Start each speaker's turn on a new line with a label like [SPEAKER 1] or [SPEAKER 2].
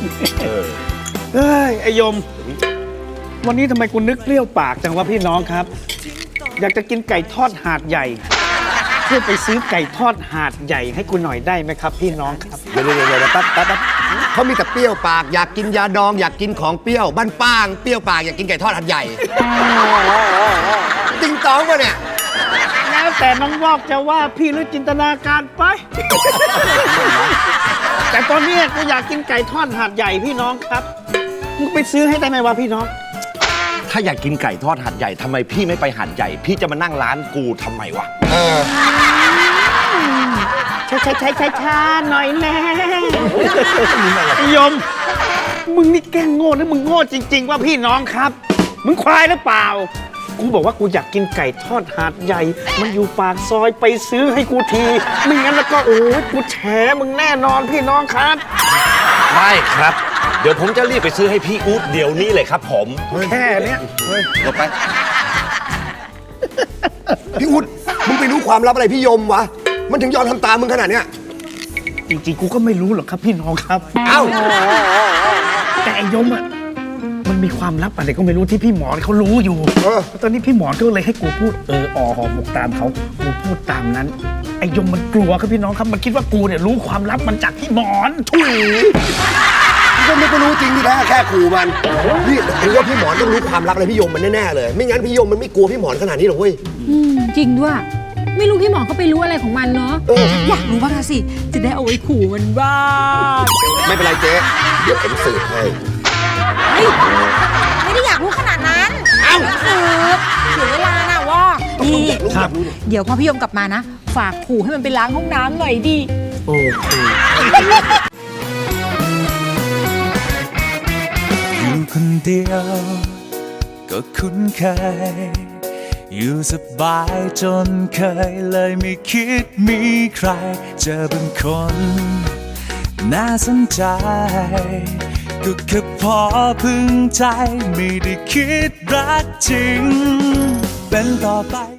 [SPEAKER 1] เฮ้ยไอยมวันนี้ทำไมกูนึกเปรี้ยวปากจังวะพี่น้องครับอยากจะกินไก่ทอดหาดใหญ่ช่วยไปซื้อไก่ทอดหาดใหญ่ให้กูหน่อยได้ไหมครับพี่น้องครับ
[SPEAKER 2] เดี๋ยวแป๊บเขามีแต่เปรี้ยวปากอยากกินยาดองอยากกินของเปรี้ยวบ้านป้างเปรี้ยวปากอยากกินไก่ทอดหัดใหญ่ติงตองปะเนี่ย
[SPEAKER 1] แล้วแต่น้องวอกจะว่าพี่หรือจินตนาการไป แต่ตอนนี้กูอยากกินไก่ทอดหาดใหญ่พี่น้องครับมึงไปซื้อให้ได้ไหมวะพี่น้อง
[SPEAKER 3] ถ้าอยากกินไก่ทอดหัดใหญ่ทำไมพี่ไม่ไปหัดใหญ่พี่จะมานั่งร้านกูทำไมวะ
[SPEAKER 1] ช้าหน่อยแน่ยมมึงนี่แกล้งโง่หรือมึงโง่จริงๆว่าพี่น้องครับมึงควายหรือเปล่ากูบอกว่ากูอยากกินไก่ทอดหาดใหญ่มันอยู่ปากซอยไปซื้อให้กูทีไม่งั้นแล้วก็โอ้ยกูแฉมึงแน่นอนพี่น้องครับ
[SPEAKER 3] ได้ครับเดี๋ยวผมจะรีบไปซื้อให้พี่อุ๊ดเดี๋ยวนี้เลยครับผม
[SPEAKER 1] แค่เนี้ย
[SPEAKER 3] เดี๋ยวไป
[SPEAKER 2] พี่อุ๊ดมึงไปรู้ความลับอะไรพี่ยมวะมันถึงยอมทำตามมึงขนาดเนี้ย
[SPEAKER 1] จริงๆกูก็ไม่รู้หรอกครับพี่น้องครับ
[SPEAKER 2] เอ้า
[SPEAKER 1] แต่ไอ้ยมอ่ะมันมีความลับอะไรก็ไม่รู้ที่พี่หมอนเขารู้อยู่ตอนนี้พี่หมอนก็เลยให้กูพูดห่อหมกตามเขากูพูดตามนั้นไอ้ยมมันกลัวครับพี่น้องครับมันคิดว่ากูเนี่ยรู้ความลับมันจากพี่หมอน
[SPEAKER 2] ถุยก็ไม่ก็รู้จริงที่แท้แค่ขู่มันนี่ถือว่าพี่หมอนต้องรู้ความลับอะไรพี่ยมมันแน่ๆเลยไม่งั้นพี่ยมมันไม่กลัวพี่หมอนขนาดนี้หรอกเว้ย
[SPEAKER 4] จริงด้วยไม่รู้พี่หมอนเขาไปรู้อะไรของมันเนาะอยากรู้บ้างสิจะได้เอาไว้ขู่มันบ้าง
[SPEAKER 2] ไม่เป็นไรเจ๊เดี๋ยวผมสืบให้
[SPEAKER 4] ไม่ได้อยากรู้ขนาดนั้นสืบเสียเวลานะว่านี่เดี๋ยวพอพี่ยมกลับมานะฝากขู่ให้มันไปล้างห้องน้ำหน่อยดิ
[SPEAKER 1] โอเค
[SPEAKER 5] อยู่คนเดียวก็คุ้นเคยอยู่สบายจนเคยเลยไม่คิดมีใครเจอเป็นคนน่าสนใจก็แค่พอพึงใจไม่ได้คิดรักจริงเป็นต่อไป